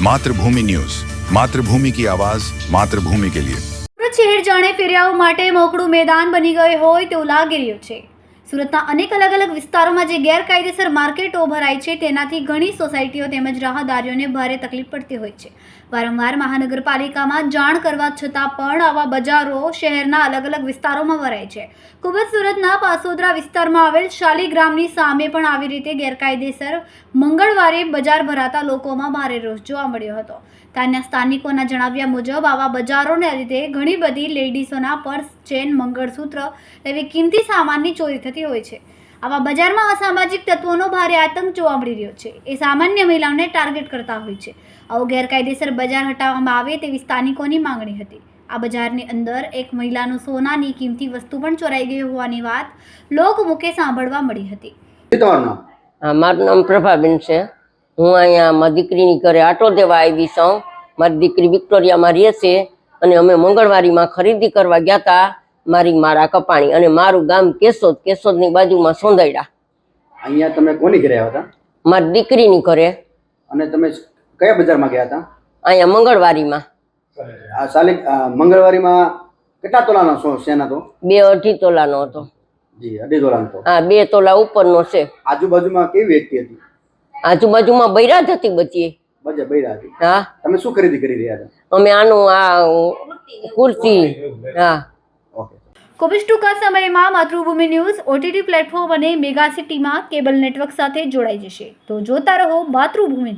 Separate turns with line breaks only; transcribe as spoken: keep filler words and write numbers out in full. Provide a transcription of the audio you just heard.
मातृभूमि न्यूज, मातृभूमि की आवाज, मातृभूमि के लिए।
સુરત શહેર જાણે ફેરિયાઓ માટે મોકળું મેદાન બની ગયું હોય તેવું લાગી રહ્યું છે। સુરતના અનેક અલગ અલગ વિસ્તારોમાં જે ગેરકાયદેસર માર્કેટો ભરાય છે તેનાથી ઘણી સોસાયટીઓ તેમજ રાહદારીઓને ભારે તકલીફ પડતી હોય છે। વારંવાર મહાનગરપાલિકામાં જાણ કરવા છતાં પણ આવા બજારો શહેરના અલગ અલગ વિસ્તારોમાં ભરાય છે। ખૂબ જ સુરતના પાસોદરા વિસ્તારમાં આવેલ શાલીગ્રામની સામે પણ આવી રીતે ગેરકાયદેસર મંગળવારે બજાર ભરાતા લોકોમાં ભારે રોષ જોવા મળ્યો હતો। ત્યાંના સ્થાનિકોના જણાવ્યા મુજબ આવા બજારોને લીધે ઘણી બધી લેડીઝોના પર્સ, ચેન, મંગળસૂત્ર એવી કિંમતી સામાનની ચોરી થતી હોય છે। આવા બજારમાં અસામાજિક તત્વોનો ભારે આતંક જોવા મળી રહ્યો છે। એ સામાન્ય મહિલાઓને ટાર્ગેટ કરતા હોય છે। આવું ગેરકાયદેસર બજાર હટાવવામાં આવે તેવી સ્થાનિકોની માંગણી હતી। આ બજારની અંદર એક મહિલાનું સોનાની કિંમતી વસ્તુ પણ ચોરાઈ ગઈ હોવાની વાત લોકમુખે સાંભળવા મળી હતી।
મારું નામ પ્રભાબેન છે। હું અહીંયા મારી દીકરીની ઘરે આટો દેવા આવી છું। મારી દીકરી વિક્ટોરિયામાં રહે છે અને અમે મંગળવારીમાં ખરીદી કરવા ગયા હતા મારી મારા કપાણી અને મારું ગામ કેશોદ, કેશોદની બાજુમાં સોંદરડા।
અહીંયા તમે કોની ઘરે આવ્યા હતા?
મારી દીકરીની ઘરે।
અને તમે કયા બજારમાં ગયા હતા?
અહીંયા મંગળવારીમાં।
આ સાલી મંગળવારીમાં કેટલા તોલાનો સો સેના તો?
બે અઢી તોલાનો હતો।
જી, અઢી તોલાનો તો?
હા, બે તોલા ઉપરનો છે।
આજુબાજુમાં કેવી વ્યક્તિ હતી?
આજુબાજુમાં બૈરા જ હતી બચી।
બજે બૈરા હતી?
હા।
તમે શું ખરીદી કરી રહ્યા હતા?
અમે આનું આ કુર્તી। હા,
ખૂબ જ ટૂંકા સમયમાં માતૃભૂમિ ન્યૂઝ ઓટીટી પ્લેટફોર્મ અને મેગા સિટીમાં કેબલ નેટવર્ક સાથે જોડાઈ જશે। તો જોતા રહો માતૃભૂમિ।